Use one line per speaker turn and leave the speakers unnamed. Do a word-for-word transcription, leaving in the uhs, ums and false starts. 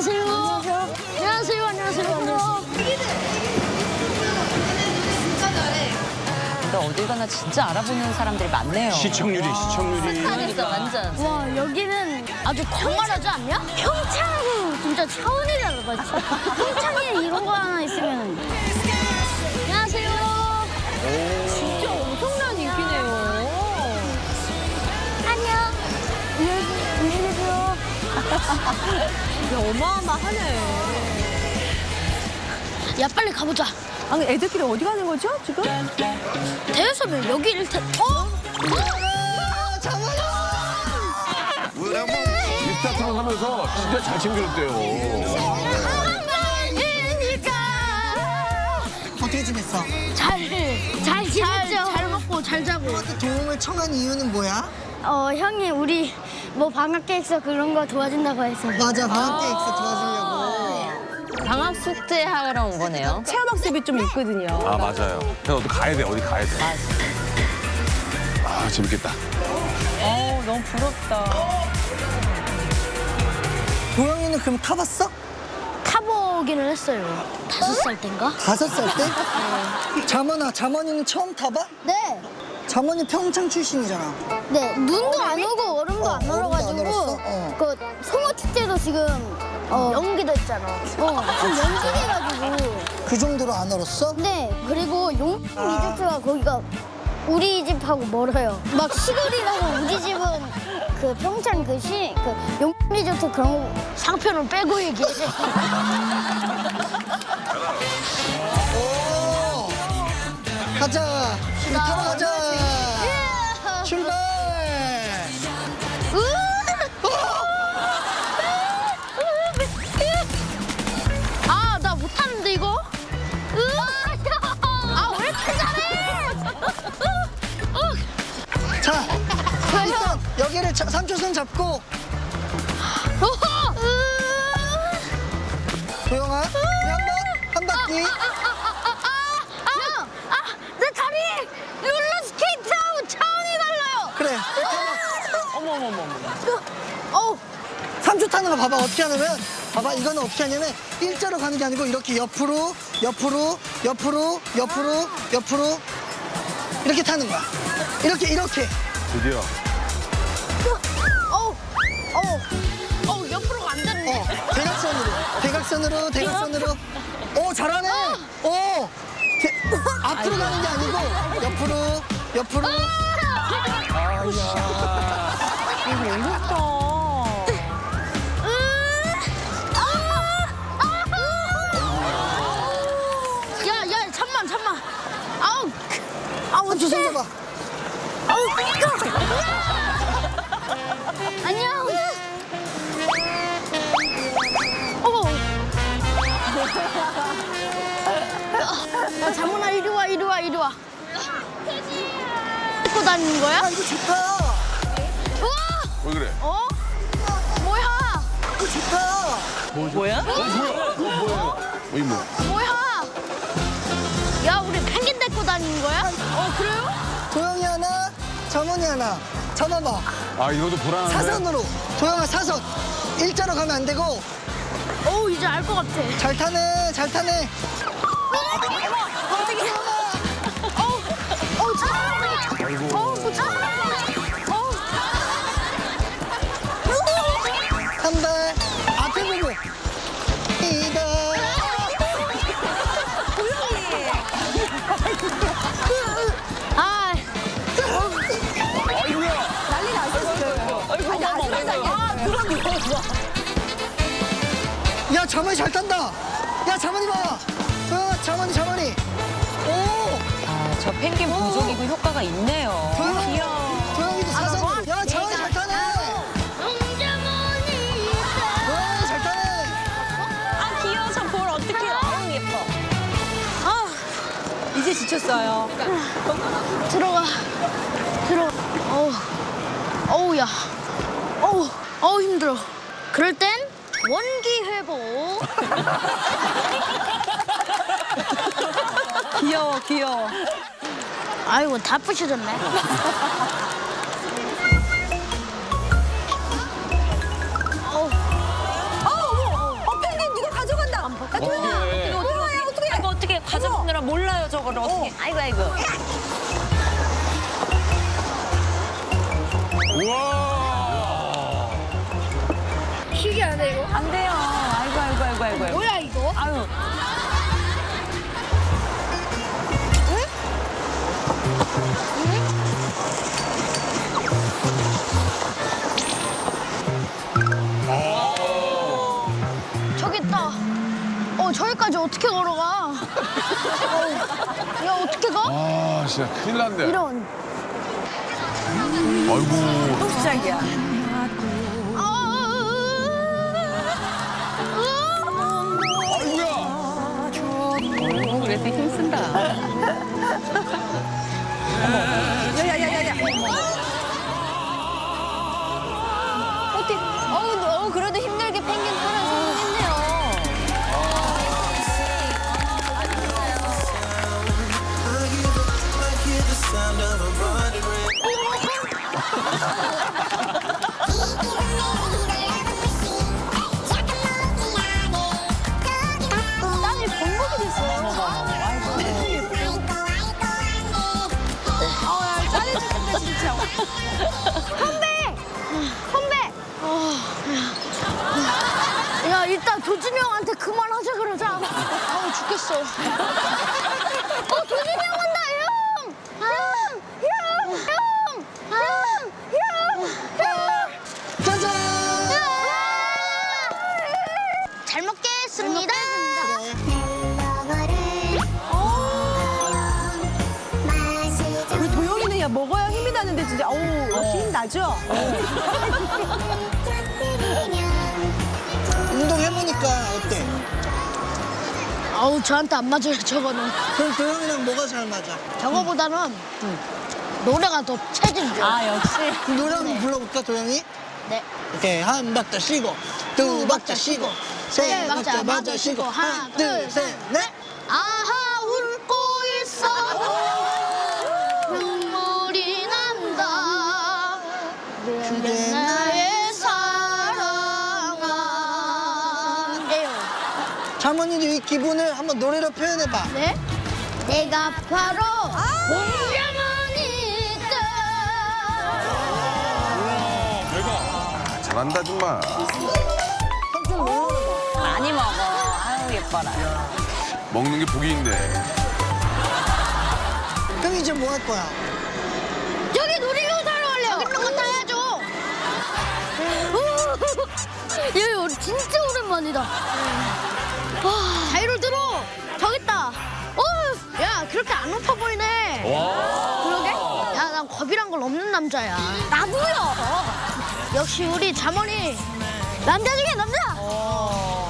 안녕하세요. 안녕하세요. 안녕하세요. 안녕하세요.
근데 어딜 가나 진짜 알아보는 사람들이 많네요.
시청률이 시청률이.
그러니까 완전.
와, 여기는 아주 광활하지 않냐? 평창하고 진짜 차원이 다르다. 진짜. 평창에 이런 거 하나 있으면. 안녕하세요.
진짜 엄청난 인기네요.
안녕. 안녕하세요.
야, 어마어마하네.
야, 빨리 가보자.
아니, 애들끼리 어디 가는 거죠, 지금?
대여섯을 여기를 타... 어?
리스타트만 하면서 진짜 잘 챙겨줬대요.
어떻게 지냈어?
잘, 잘 지냈죠? 잘 먹고 잘 자고.
형한테 도움을 청한 이유는 뭐야?
어, 형이 우리 뭐 방학 계획서 그런 거 도와준다고 해서.
맞아, 방학 계획서 도와주려고.
방학 숙제 하러 온 거네요. 체험학습이 좀 있거든요.
아 맞아요. 형 어디 가야 돼, 어디 가야 돼. 아 재밌겠다.
어, 너무 부럽다.
도영이는 그럼 타봤어?
타보기는 했어요. 다섯 살 땐가?
다섯 살 때? 자mon아, 자mon이는 처음 타봐?
네.
자mon이 평창 출신이잖아.
네, 눈도 안 오고 얼음도
어,
안
얼음도 안
얼어가지고
얼었어? 어.
그 송어 축제도 지금 어, 연기도 했잖아. 어, 지금 연기돼가지고.
그 정도로 안 얼었어?
네, 그리고 용품 리조트가 거기가 우리 집하고 멀어요. 막 시골이라고 우리 집은 그 평창 그 시, 그 용품 리조트 그런 거 상표는 빼고 얘기해.
오! 가자. 우리 타러 가자. 출발.
아, 나 못하는데 이거? 아, 왜 이렇게 잘해?
자, 일단 여기를 자, 삼 초선 잡고. 도영아, 우리 한 번, 한 바퀴.
아, 아, 내 다리 롤러스케이트하고 차원이 달라요.
그래.
어,
삼 초 타는 거 봐봐. 어떻게 하냐면, 봐봐. 이거는 어떻게 하냐면, 일자로 가는 게 아니고, 이렇게 옆으로, 옆으로, 옆으로, 옆으로, 옆으로. 이렇게 타는 거야. 이렇게, 이렇게.
드디어.
어, 어, 어, 옆으로 안 되는데.
어, 대각선으로. 대각선으로, 대각선으로. 오, 잘하네. 오. 대- 앞으로 가는 게 아니고, 옆으로, 옆으로.
이거 어렵다.
야, 야, 잠만, 잠만. 아우, 아우,
삼 초 손 잡아.
아우, 안녕. 어머. 야, 자문아, 이리 와, 이리 와, 이리 와. 입고 다니는 거야?
아, 이거 좋다.
우와!
왜 그래?
어? 뭐야?
이거 좋다.
뭐야?
어 뭐야? 어 뭐야? 어이 뭐?
뭐야? 야, 우리 펭귄 데리고 다니는 거야? 어, 그래요?
도영이 하나, 자mon이 하나. 잡아봐.
아 이것도 불안한데.
사선으로. 도영아, 사선. 일자로 가면 안 되고.
어, 이제 알 것 같아.
잘 타네, 잘 타네.
어우, 참.
아이고.
어우, 뭐 참. 어우.
한 발. 앞에 보고. 이다.
아,
아이고야.
아이고, 어머, 아, 그럼 누웠어.
야, 자만이 잘 탄다. 야, 자만이 봐. 도영아, 자만이, 자만이. 오.
아, 저 펭귄 부족이고 효과가 있네요.
도영아.
귀여워.
도영이도 사선. 야, 자만이 잘 타네. 도영이 잘 타네.
아, 귀여워. 저 볼 어떡해. 아유, 예뻐.
아,
이제 지쳤어요.
들어가. 들어가. 어우, 어우, 야. 어우, 어우, 힘들어. 그럴 땐 원기 회복.
귀여워, 귀여워.
아이고, 다 부셔졌네. 어우.
아, 어머. 어, 그럼 어떻게? 아이고 아이고.
우와.
쉬게 안 해, 이거?
안 돼요. 아이고 아이고 아이고 아이고. 아이고.
뭐야, 이거?
아유.
저기 있다. 어, 저기까지 어떻게 걸어가? 어, 야, 어떻게 가?
아, 진짜 큰일 났네.
이런.
아이고.
또 시작이야.
아,
아이고야.
어, 그래도 힘쓴다. 야야야야야.
어떻게, 어우, 어우, 그래도 힘들게 펭귄 하나 성공했네요. 땅이 범벅이 됐어요. 아, 짜리 죽겠다, 진짜. 선배! 선배! 야, 일단 도준이 형한테 그만하자 그러자. 아우, 죽겠어. 어, 도준이 형 온다, 형! 형! 형! 형! 형! 형! 형!
짜잔!
잘 먹겠습니다.
우리 도영이는 야 먹어야 힘이 나는데 진짜 어우 역시 힘 나죠?
운동해보니까 어때?
아우, 저한테 안 맞아요, 저거는.
그럼 도영이랑 뭐가 잘 맞아?
저거보다는 노래가 더 체질 좋아.
아 역시.
노래 한번 불러볼까, 도영이?
네.
오케이, 한 박자 쉬고, 두 박자 쉬고, 세
네, 박자
박자
마저
마저 쉬고,
쉬고,
하나, 둘, 셋, 넷.
아하, 울고 있어. 눈물이 난다. 그게 나의 사랑아. 네요.
자모니도 이 기분을 한번 노래로 표현해봐.
네? 내가 바로 몽자모니까.
대박. 잘한다, 정말.
삼촌 놀러봐.
많이 먹어. 아유 예뻐라.
먹는 게 복이 있네.
형이 이제 뭐 할 거야?
여기 놀이기구 타러 갈래요. 여기 있는 거 타야죠. 얘 우리 진짜 오랜만이다. 와, 자이로 들어. 저기 있다. 어, 야, 그렇게 안 높아 보이네. 그러게? 야, 난 겁이란 걸 없는 남자야. 나도요. 역시 우리 자머니 남자 중에 남자.